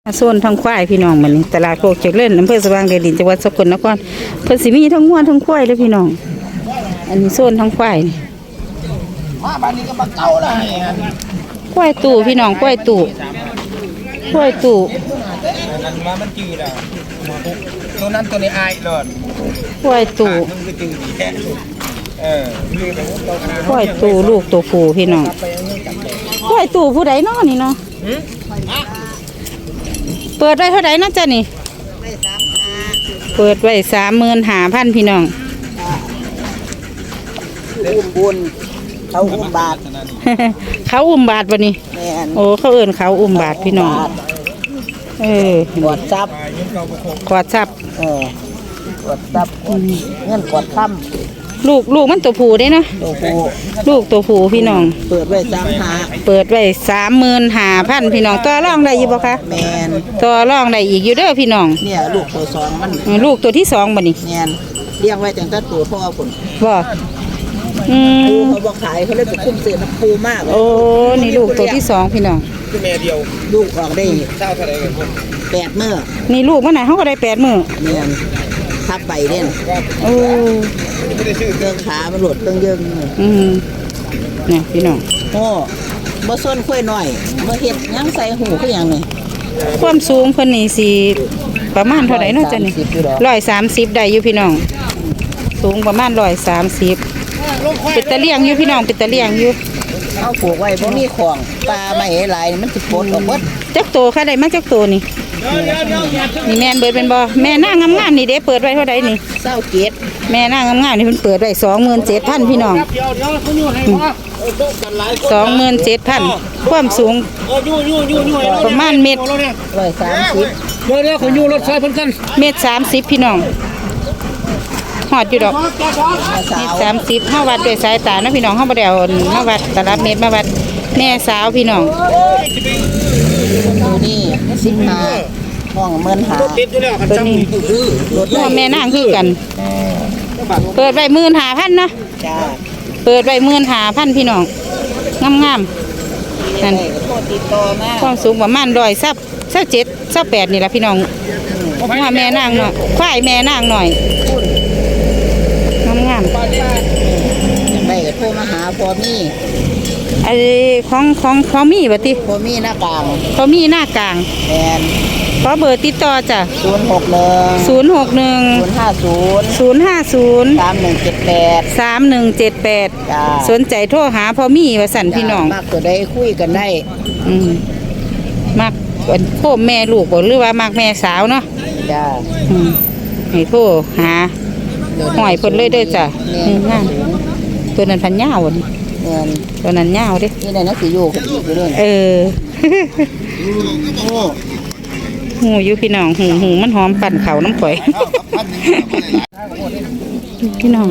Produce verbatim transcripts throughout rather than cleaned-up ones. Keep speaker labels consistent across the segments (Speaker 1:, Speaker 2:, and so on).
Speaker 1: โซนทางควายพี่น้องมันตลาดโคกเจริญอำเภอสว่างแดนดินจังหวัดสกลนครเพิ่นสิมีทั้งงัวทั้งควายเลยพี่น้องอันนี้โซนทางควายนี่มาบ้านนี้ก็มาเก่าละควายตู่พี่น้องควายตู่ควายตู่
Speaker 2: อันว่ามันจืดอ่ะตัวนั้นตัวนี้อายเลย
Speaker 1: ควายตู่
Speaker 2: มันก็จืดดีแค่เออ
Speaker 1: ควายตู่ลูกตัวผู้พี่น้องควายตู่ผู้ใดน้อนี่เนาะเปิดไว้เท่าไหร่นะจ๊ะนี่เปิดไว้สามหมื่นห้าพันพี่น้อง
Speaker 3: อุ้มบุญเขาอุ้มบาท
Speaker 1: เขาอุ้มบาทวะนี่โอ้เขาเอิ้นเขาอุ้มบาทพี่น้องเออก
Speaker 3: อดซับ
Speaker 1: กอดซับ
Speaker 3: เออกอดซับเงินกอดค่
Speaker 1: ำลูกลูกมันตัวผู้ได้เนาะ
Speaker 3: ตัวผู้
Speaker 1: ลูกตัวผู้พี่น้อง
Speaker 3: เปิดไว้สามหา
Speaker 1: เปิดไว้สามหมื่นห้าพันพี่น้องต่อรองได้อยู่บ่คะ
Speaker 3: แมน
Speaker 1: ต่อรองได้อีกอยู่เด้อพี่น้อง
Speaker 3: เนี่ยลูกตัวสองมัน
Speaker 1: ลูกตัวที่สองบ่นี่
Speaker 3: แมนเลี้ยงไว้ตั้งแต่ตัวพ่อผล
Speaker 1: บ่อืม
Speaker 3: เขาบอกขายเขาเลยไปคุ้มเสือน้ำปูมาก
Speaker 1: โอ้นี่ลูกตัวที่สองพี่น้อง
Speaker 2: คือแม่เดียว
Speaker 3: ลูกออกได้
Speaker 2: เจ้าเท่าไรกัน
Speaker 3: แปดมื้อ
Speaker 1: นี่ลูกมันไหนเขาก็ได้แปดมื้อ
Speaker 3: แมนทับใบเด่น
Speaker 1: โอ้
Speaker 3: เครื่องขามันหลุดเครื่องเยิง
Speaker 1: อืมเนี่ยพี่น้อง
Speaker 3: โอ้บ่ส้นค่อยหน่อยบ่เฮ็ดยังใส่หูคือหยังนี่
Speaker 1: ความสูงเพิ่นนี่สิประมาณเท่าไหร่เนาะจ๊ะนี่ร้อยสามสิบได้อยู่พี่น้องสูงประมาณร้อยสามสิบเป็นตะเลียงอยู่พี่น้องเป็นตะเลียงอยู่
Speaker 3: เอาปลูกไว้บ่มีของปลาไม่หลายมันสิปลดออกหมด
Speaker 1: จักโตค่ะได้มาจักโตนี่นี่แม่นเบิดเป็นบ่แม่นางงามๆนี่เด้เปิดไว้เท่าใดนี่
Speaker 3: เศร้าเจ็ด
Speaker 1: แม่นางงามๆนี่เพิ่นเปิดไว้สองหมื่นเจ็ดพันพี่น้องสองหมื่นเจ็ดพันความสูงประมาณเมตร
Speaker 3: ร้อยสามสิบ
Speaker 2: เดี๋ยวเดี๋ยวคนอยู่รถไฟเพิ่นกัน
Speaker 1: เมตรสามสิบพี่น้องหอดอยู่ดอกเมตรสามสิบเฮาวัดด้วยสายตานะพี่น้องเฮาบ่ได้เอามาวัดตลับเมตรมาวัดแม่สาวพี่น้อง
Speaker 3: ตัวนี้สิบห้าห้องเมินหา
Speaker 1: ตัวนี้ตัวแม่นางคือกันเปิดไว้หมื่นห้าพันเนาะเปิดไว้หมื่นห้าพันพี่น้องงามๆนั่นความสูงประมาณร้อยซับซับเจ็ดซับแปดนี่แหละพี่น้องว่าแม่นางเนาะควายแม่นางหน่อยงาม
Speaker 3: ๆไปโทรมาหาพอมี
Speaker 1: ไอ้ของของของมีบ่ติ
Speaker 3: พอมีหน้ากลาง
Speaker 1: พอมีหน้ากลาง
Speaker 3: แมน
Speaker 1: ขอเบอร์ติดต่อจ้ะ
Speaker 3: ศูนย์หกหนึ่ง
Speaker 1: ศูนย์หกหนึ่ง
Speaker 3: ศูนย์ห้าศูนย์
Speaker 1: ศูนย์ห้าศูนย์
Speaker 3: สามหนึ่งเจ็ดแปด
Speaker 1: สามหนึ่งเจ็ดแปดสนใจโทรหาพอมีว่าสั่นพี่น้อง
Speaker 3: มากตัวได้คุยกันได้
Speaker 1: อืมมักโทรแม่ลูกบ่หรือว่ามักแม่สาวเนาะ
Speaker 3: จ้า
Speaker 1: อืมให้โทรหาหอยเพิ่นเลยเด้อจ้ะงามตัวนั้นพันยาวนี่ตัวนั้นยาวเด้
Speaker 3: นี่ได้นักสิอยู่กันอีกอยู่ด้วย
Speaker 1: เออหูอยู่พี่น้องหูหูมันหอมปั่นเขาน้ำข่อยพี่น้อง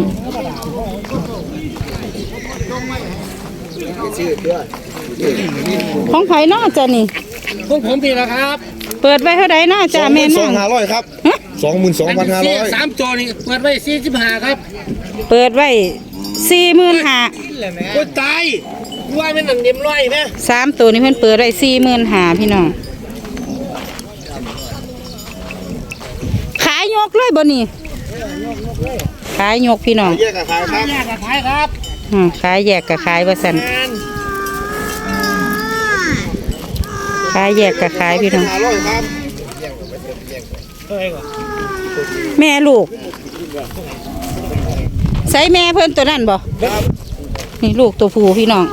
Speaker 1: ของไผ่นอจ้ะนี่
Speaker 2: ของผมพี่นะครับ
Speaker 1: เปิดไว้เท่าไหร่นอจ้ะแม่
Speaker 2: นั่งสองห้าร้อยครับสองหมื่นสองพันห้าร้อยสามจอนี่เปิดไว้สี่สิบห้าครับ
Speaker 1: เปิดไว้สี่หมื่นห้า
Speaker 2: โอ้ตายว่าเป็นหนังเดียมร้อยไหม
Speaker 1: สามตัวนี้เพิ่นเปิดไว้สี่หมื่นห้าพี่น้องขายยกเลยบ่นี่ขายยกพี่น้อง
Speaker 2: แยกกับขายครับแยกกับขายครับ
Speaker 1: ขายแยกกับขายว่าสั่นขายแยกกับขายพี่น้องแม่ลูกใส่แม่เพิ่นตัวนั้นบ่นี่ลูกตัวผู้พี่น้อง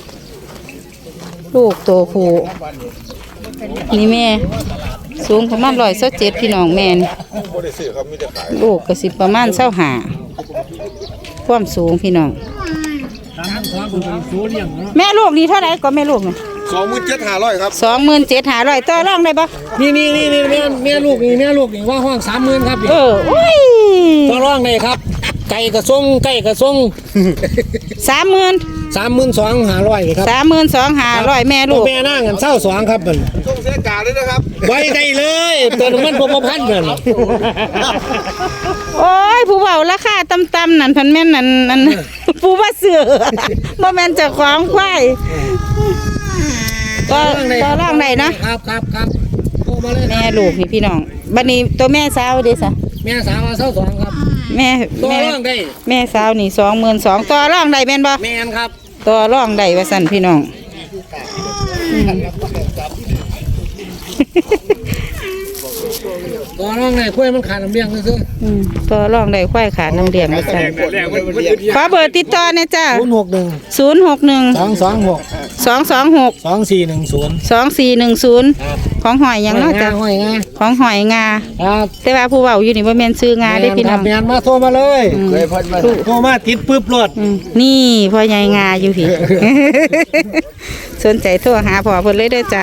Speaker 1: ลูกตัวผู้นี่แม่สูงประมาณร้อยเศร้าเจ็ดพี่น้องแม่นี่ลูกก็สิประมาณเศร้าหาความสูงพี่น้องแม่ลูกนี่เท่าไหร่ก็แม่ลูกนี่
Speaker 2: สองหมื่นเจ็ดห้าร้อยครับ
Speaker 1: สองหมื่นเจ็ดห้าร้อยต่อรองได้ปะ
Speaker 2: นี่นี่นี่นี่แม่แม่ลูกนี่แม่ลูกนี่ว่าห้องสามหมื่นครับ
Speaker 1: เออโอ้ย
Speaker 2: ต่อรองได้ครับไก่กระซงไก่กระซง
Speaker 1: สามหมื่น
Speaker 2: สามหมื่นสองห้าร้อยครับ
Speaker 1: สามหมื่นสองห้าร้อยแม่ลูก
Speaker 2: แม่นั่งกันเศร้าสองครับมันช่วงเสียกาเลยนะครับไว้ได้เลยตัวมันพอพันกัน
Speaker 1: โอ้ยผู้เบาราคาต่ำๆนั่นพันแม่นนั่นนั่นผู้ว่าเสือบ่แม่นเจ้าของควายก็ก็ร่างไหนนะครับ
Speaker 2: ครับครับมาเลย
Speaker 1: แม่ลูกนี่พี่น้องบัดนี้ตัวแม่สาวเด้ซะ
Speaker 2: แม่สาวมาเศร้าสองครับ
Speaker 1: แม่
Speaker 2: ตัว
Speaker 1: แม่
Speaker 2: ร่องได้
Speaker 1: แม่สาวนี่สองหมื่นสองต่อรองได้แม่นบ่
Speaker 2: แม่นครับ
Speaker 1: ต่อรองได้ว่าซั่นพี่น้องอืม
Speaker 2: ตัวร่องได้กล้วยมันขาดน้ำเลี้ยงซื่อ
Speaker 1: อืมต่อรองได้ควายขาดน้ำเลี้ยงว่าซั่นขอเบอร์ติดต่อหน่อยจ้า
Speaker 2: ศูนย์หกหนึ่ง
Speaker 1: ศูนย์หกหนึ่ง
Speaker 2: สองสองหก
Speaker 1: สองสองหก
Speaker 2: สองสี่หนึ่งศูนย์
Speaker 1: สองสี่หนึ่งศูนย์ของหอยหยังเนาะจ้ะ
Speaker 2: ห้อยงา
Speaker 1: ของหอยงา
Speaker 2: ครับ
Speaker 1: แต่ว่าผู้เว้าอยู่นี่บ่แม่นซื้องาได้อพี่น้อง
Speaker 2: แม่นมาโทรมาเลย
Speaker 1: อืม
Speaker 2: โทรมาติดปึ๊บรถ
Speaker 1: อืมนี่พ่อใหญ่งาอยู่พี่ สนใจโทรหาพ่อเพิ่นเลยเด้อจ้ะ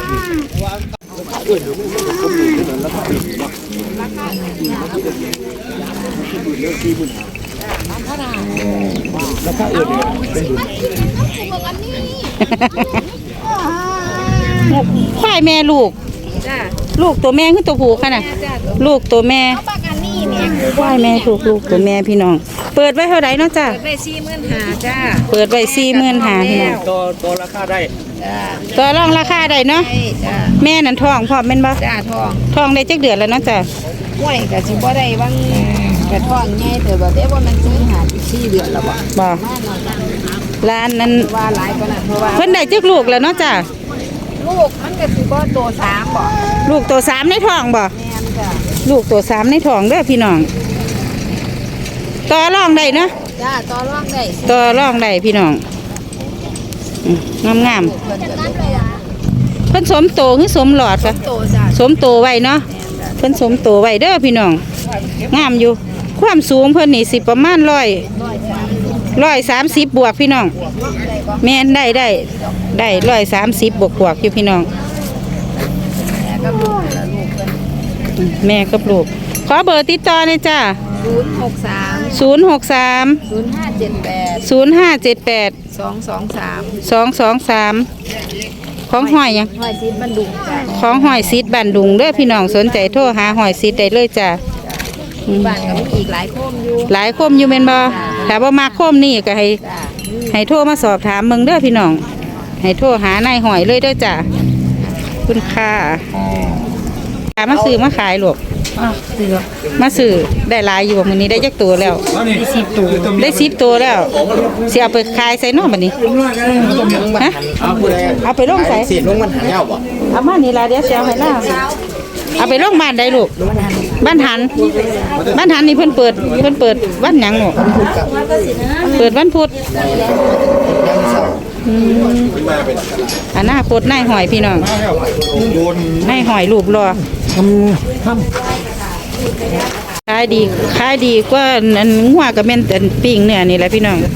Speaker 1: ควายแม่ลูก
Speaker 4: จ้า
Speaker 1: ลูกตัวแม่คือตัวผู้ค่ะน่ะ
Speaker 4: จ้า
Speaker 1: ลูกตัวแม่
Speaker 4: ปากอันนี้เนี่ย
Speaker 1: ควายแม่ถูกลูกตัวแม่พี่น้อง เปิดไว้เท่าไหร่เนาะจ้ะ
Speaker 4: เปิดไปสี่หมื่นหาจ้า
Speaker 1: เปิดไว้สี่หมื่นห้าพี่น้อง
Speaker 2: ตัวตัวราคาได้
Speaker 4: จ้า
Speaker 1: ต่อรองราคาได้เนาะ
Speaker 4: ใช่จ้า
Speaker 1: แม่นั่นท้องพร้อมแม่นบ่
Speaker 4: จ้าทอง
Speaker 1: ท้องได้จักเดือนแล้วเนาะจ้ะ
Speaker 4: ห้วยกับสิบ่ได้บางกระท้องใหญ่แต่ว่าเดี๋ยวว่ามันสี่หาสี่เดือนแล้วบ่
Speaker 1: บ่ร้านนั้น
Speaker 4: ว่าหลายกว่านั้นเพราะว่า
Speaker 1: เพิ่นได้จักลูกแล้วเนาะจ้ะ
Speaker 4: ลูกมันก็สิบ่โตสามบ่
Speaker 1: ลูกตัวสามในท้องบ่
Speaker 4: แม่นจ้า
Speaker 1: ลูกตัวสามในท้องเด้อพี่น้องต่อรองได้เนาะ
Speaker 4: จ้าต่อรองได้
Speaker 1: ต่อรองได้พี่น้องอืมงาม
Speaker 4: เพิ่นจะได้เลยอ่ะ
Speaker 1: ๆเพิ่นสมโตคือสมหลอดปะ
Speaker 4: โตจ้า
Speaker 1: สมโตไว้เนาะเพิ่นสมโตไว้เด้อพี่น้องงามอยู่ ความสูงเพิ่นนี่สิประมาณร้อยร้อยสามสิบบวกพี่น้องแม่นได้ได้ได้ร้อยสามสิบบวกบวกอยู่พี่น้อง
Speaker 4: แม่ก็ลูกละลูกเพิ่น
Speaker 1: อืมแม่กับลูกขอเบอร์ติดต่อหน่อยจ้า
Speaker 4: ศูนย์หกสาม
Speaker 1: ศูนย์หกสาม
Speaker 4: ศูนย์ห้าเจ็ดแปด
Speaker 1: ศูนย์ห้าเจ็ดแปด
Speaker 4: สองสองสาม
Speaker 1: สองสองสามของหอยหยัง
Speaker 4: ห้อยซีดบันดุงจ้า
Speaker 1: ของหอยซีดบันดุงเด้อพี่น้องสนใจโทรหาหอยซีดได้เลยจ้า
Speaker 4: บ้านก็มีอีกหลายโคมอยู่
Speaker 1: หลายคมอยู่แม่นบ่ถ้าบ่มักคมนี่ก็ให้
Speaker 4: จ้า
Speaker 1: ให้โทรมาสอบถามเบิ่งเด้อพี่น้อง ให้โทรหานายหอยเลยเด้อจ้าคุณค่าามาซื้อมาขายลูกมาซื้อได้หลายอยู่บ่มื้อนี้ได้จักตัวแล้วสิบตัวได้สิบตัวแล้วสิเอาไปขายใส่เนาะบัดนี้ฮะเอาไปลงใส่
Speaker 2: เสียลงมันหายาวบ่
Speaker 1: เอามานี่ล่ะเดี๋ยวสิเอาให้ล่าเอาไปโรงพยาบาลใดลูกบ้านหันบ้านหันนี่เพิ่นเปิดเพิ่นเปิดวันหยังหนูเปิดวันพุธอืมอนาคตนายหอยพี่น้องนายหอยรูปรอ
Speaker 2: ทำทำ
Speaker 1: ขายดีขายดีกว่าอันงัวกับแม่นอันปิ้งเนื้อนี่แหละพี่น้อง